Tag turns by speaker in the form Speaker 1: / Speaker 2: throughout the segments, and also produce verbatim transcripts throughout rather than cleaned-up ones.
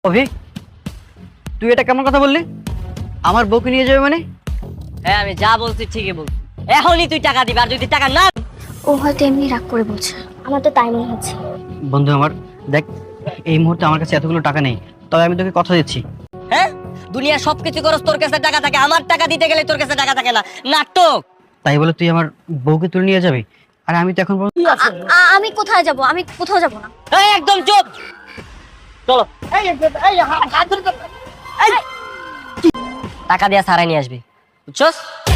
Speaker 1: অভি, তুই এটা কেমন কথা বললি? আমার বউকে নিয়ে যাবে মানে?
Speaker 2: হ্যাঁ আমি যা বলছি ঠিকই বলছি। এখনই তুই টাকা দিবি, আর যদি টাকা না
Speaker 3: ও হয়তো এমনি রাগ করে বলছে, আমার তো তাই মনে হচ্ছে।
Speaker 1: বন্ধু আমার, দেখ এই মুহূর্তে আমার কাছে এতগুলো টাকা নেই, তবে আমি তোকে কথা দিচ্ছি।
Speaker 2: হ্যাঁ দুনিয়ার সবকিছু করস, তোর কাছে টাকা থাকে, আমার টাকা দিতে গেলে তোর কাছে টাকা থাকে না, নাটক।
Speaker 1: তাই বলে তুই আমার বউকে তুলে নিয়ে যাবি? আর আমি তো এখন পর্যন্ত-
Speaker 3: আ- আ- আমি কোথায় যাব? আমি কোথাও যাব না।
Speaker 2: এই একদম চুপ, চলো। এই, টাকা দিয়া সারাই নিয়ে আসবি, বুঝছস?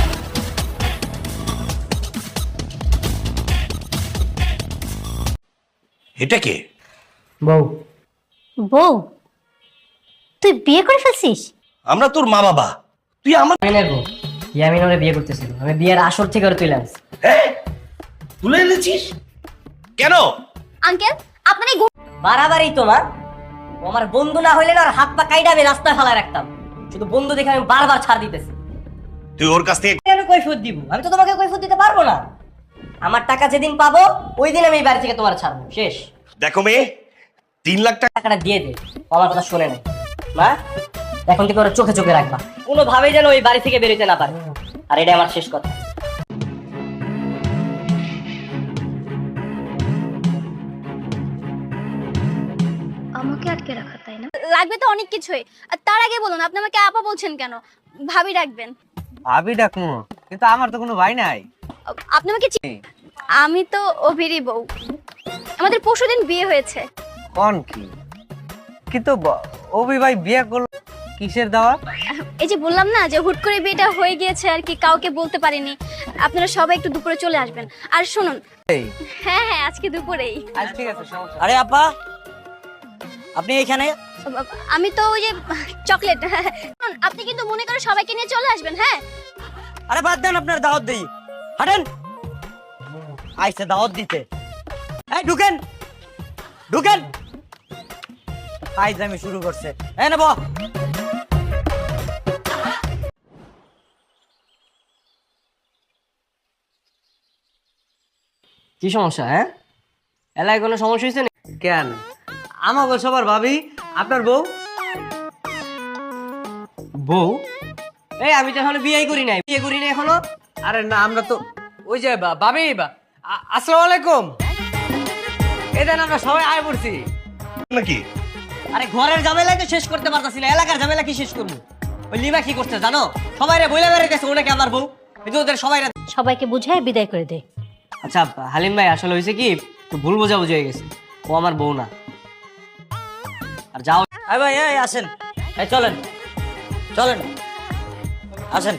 Speaker 4: এটা কে?
Speaker 2: বউ।
Speaker 3: বউ? তুই বিয়ে করে ফেলছিস?
Speaker 4: আমরা তোর মা বাবা, তুই আমার
Speaker 2: ইয়ামিনের বউ। ইয়ামিন ওরে বিয়ে করতেছিল, আমি বিয়ের আসর থেকে ওরে তুলে আনছি।
Speaker 4: হ্যাঁ তুলে এনেছিস কেন?
Speaker 3: আঙ্কেল, আপনার এই গো-
Speaker 2: বাড়াবাড়ি তোমার। ও আমার বন্ধু না হইলে না, আর হাত পা কাইডা আমি রাস্তায় ফেলায় রাখতাম। শুধু বন্ধু দেখে আমি বারবার ছাড় দিতেছি।
Speaker 4: তুই ওর কাছ থেকে
Speaker 2: আমি কৈফিয়ত দিব? আমি তো তোমাকে কৈফিয়ত দিতে পারবো না। আমার টাকা যেদিন পাবো ওই দিন আমি এই বাড়ি থেকে তোমার ছাড়বো, শেষ।
Speaker 4: দেখো মেয়ে, তিন লাখ টাকা
Speaker 2: টাকাটা দিয়ে দে, ও আমার কথা শুনে নেই। মা, এখন থেকে ওরা চোখে চোখে রাখবা, কোনোভাবেই যেন ওই বাড়ি থেকে বেরোতে না পারে। আর এটা আমার শেষ কথা।
Speaker 3: আমাকে আটকে রাখা, তাই না? লাগবে তো অনেক কিছুই। আর তার আগে বলুন, আপনি আমাকে আপা বলছেন কেন? ভাবি রাখবেন।
Speaker 5: ভাবি ডাকমু, কিন্তু আমার তো কোনো ভাই নাই।
Speaker 3: আপনি আমাকে চি- আমি তো অভিরই বউ। আমাদের পরশুদিন বিয়ে হয়েছে।
Speaker 5: কোন কি? কিন্তু ব- অভি ভাই বিয়ে করলো কিসের দাওয়া?
Speaker 3: এই যে বললাম না যে হুট করে বিয়েটা হয়ে গিয়েছে আর কি, কাউকে বলতে পারিনি। আপনারা সবাই একটু দুপুরে চলে আসবেন। আর শুনুন,
Speaker 5: এই
Speaker 3: হ্যাঁ হ্যাঁ আজকে দুপুরেই।
Speaker 5: আজ ঠিক আছে, সমস্যা
Speaker 2: আরে আপা, আপনি এখানে?
Speaker 3: আমি তো ওই যে চকলেট। শুনুন, আপনি কিন্তু মনে করে সবাইকে নিয়ে চলে আসবেন, হ্যাঁ?
Speaker 2: আরে বাদ দেন, আপনার দাওয়াত দেই। হাঁটেন, আইসে দাওয়াত দিতে। এই ঢুকেন, ঢুকেন। আইজ আমি শুরু করছে। এই নেব। কি সমস্যা? হ্যাঁ, এলাকায় কোনো সমস্যা হয়েছে?
Speaker 5: কেন? আমাকে সবার ভাবি, আপনার বউ?
Speaker 2: বউ? এই আমি তো এখনো বিয়ে করি নাই, বিয়ে করি নাই এখনো।
Speaker 5: আরে না, আমরা তো ওই যে বা- ভাবি বা- আ- আসসালামু আলাইকুম। এদেন আমরা সবাই আয় পড়ছি।
Speaker 4: নাকি?
Speaker 2: আরে ঘরের ঝামেলাই তো শেষ করতে পারতাছি না, এলাকার ঝামেলা কি শেষ করবো? ওই লিমা কি করছে জানো? সবাই রে বইলে বেড়াইতেছে ওনাকে আমার বউ। এই যে ওদের সবাই।
Speaker 6: সবাইকে বুঝায় বিদায় করে দে।
Speaker 2: আচ্ছা হালিম ভাই, আসলে হয়েছে কি, একটু ভুল বোঝাবুঝি হয়ে গেছে। ও আমার বউ না। আর যাও। এই ভাই, এই আসেন, এই চলেন চলেন, আসেন।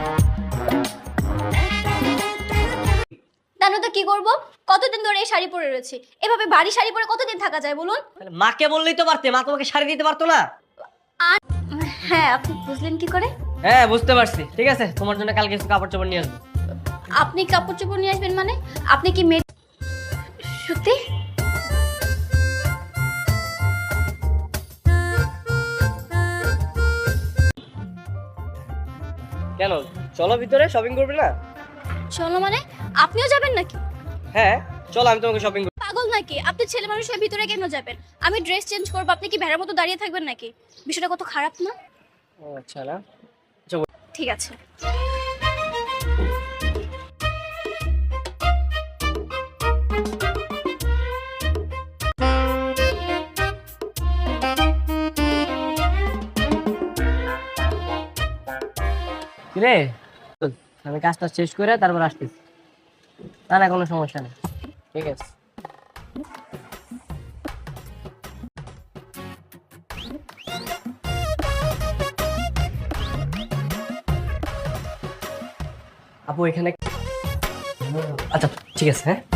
Speaker 3: জানো তো কি করব? কতদিন ধরে এই শাড়ি পরে রয়েছি। এভাবে ভারী শাড়ি পরে কতদিন থাকা যায় বলুন?
Speaker 2: মাকে বললেই তো পারতে, মা তোমাকে শাড়ি দিতে পারতো না?
Speaker 3: আর হ্যাঁ, আপনি বুঝলেন কি করে?
Speaker 2: হ্যাঁ বুঝতে পারছি, ঠিক আছে, তোমার জন্য কালকে কিছু কাপড় চোপড় নিয়ে আসবো।
Speaker 3: আপনি কাপড় চোপড় নিয়ে আসবেন মানে? আপনি কি মেয়ে? সত্যি?
Speaker 2: কেন, চলো ভিতরে, শপিং করবে না?
Speaker 3: চলো মানে? আপনিও যাবেন নাকি?
Speaker 2: হ্যাঁ চলো, আমি তোমাকে শপিং।
Speaker 3: পাগল নাকি আপনি? ছেলে মানুষ হয়ে ভিতরে কেন যাবেন? আমি ড্রেস চেঞ্জ করবো, আপনি কি ভেড়ার মতো দাঁড়িয়ে থাকবেন নাকি? বিষয়টা কত খারাপ না?
Speaker 2: ও আচ্ছা না।
Speaker 3: ঠিক আছে।
Speaker 2: কিরে, আমি কাজটা শেষ করে তারপর আসতেছি। না না, কোনো সমস্যা নেই, ঠিক আছে। আপু এখানে, আচ্ছা ঠিক আছে। হ্যাঁ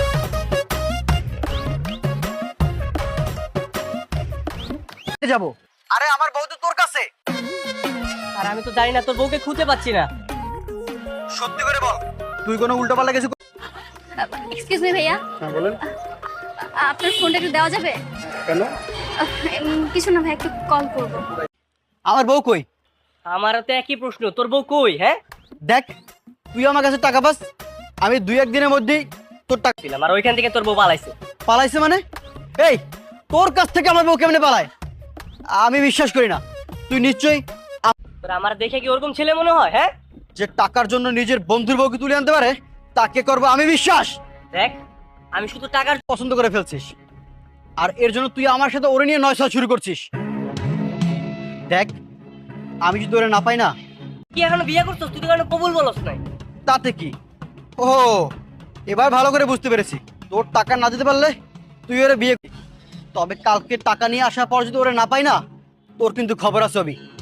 Speaker 5: যাবো। আরে আমার বউ তো তোর কাছে।
Speaker 2: আর আমি তো জানি না, তোর বউকে খুঁজে পাচ্ছি না।
Speaker 5: সত্যি করে বল, তুই কোনো উল্টো পাল্টা কিছু?
Speaker 3: এক্সকিউজ মি ভাইয়া,
Speaker 5: হ্যাঁ বলেন।
Speaker 3: আপনার ফোনটা একটু দেওয়া যাবে?
Speaker 5: কেন?
Speaker 3: উম, কিছু না ভাই, একটু কল করবো।
Speaker 1: আমার বউ কই?
Speaker 2: আমারও তো একই প্রশ্ন, তোর বউ কই? হ্যাঁ
Speaker 1: দেখ, তুই আমার কাছে টাকা পাস, আমি দুই একদিনের মধ্যেই তোর টাকা
Speaker 2: দিলাম, আর ওইখান থেকে তোর বউ পালাইছে।
Speaker 1: পালাইছে মানে? এই, তোর কাছ থেকে আমার বউ কেমনে পালায়? আমি বিশ্বাস করি না। তুই নিশ্চয়ই
Speaker 2: তোর আমার দেখে কি ওরকম ছেলে মনে হয়? হ্যাঁ,
Speaker 1: যে টাকার জন্য নিজের বন্ধুর বউকে তুলে আনতে পারে তাকে করবো আমি বিশ্বাস।
Speaker 2: দেখ আমি শুধু টাকার
Speaker 1: পছন্দ করে ফেলছিস আর এর জন্য তুই আমার সাথে ওরে নিয়ে নয়সা শুরু করছিস। দেখ আমি যদি ওরে না পাই না,
Speaker 2: কি এখনো বিয়ে করছিস? তুই তো কেন কবুল বলস নাই?
Speaker 1: তাতে কি? ও এবার ভালো করে বুঝতে পেরেছি, তোর টাকা না দিতে পারলে তুই ওরে বিয়ে করবি। তবে কালকে টাকা নিয়ে আসার পর যদি ওরে না পাই না, তোর কিন্তু খবর আছে। আমি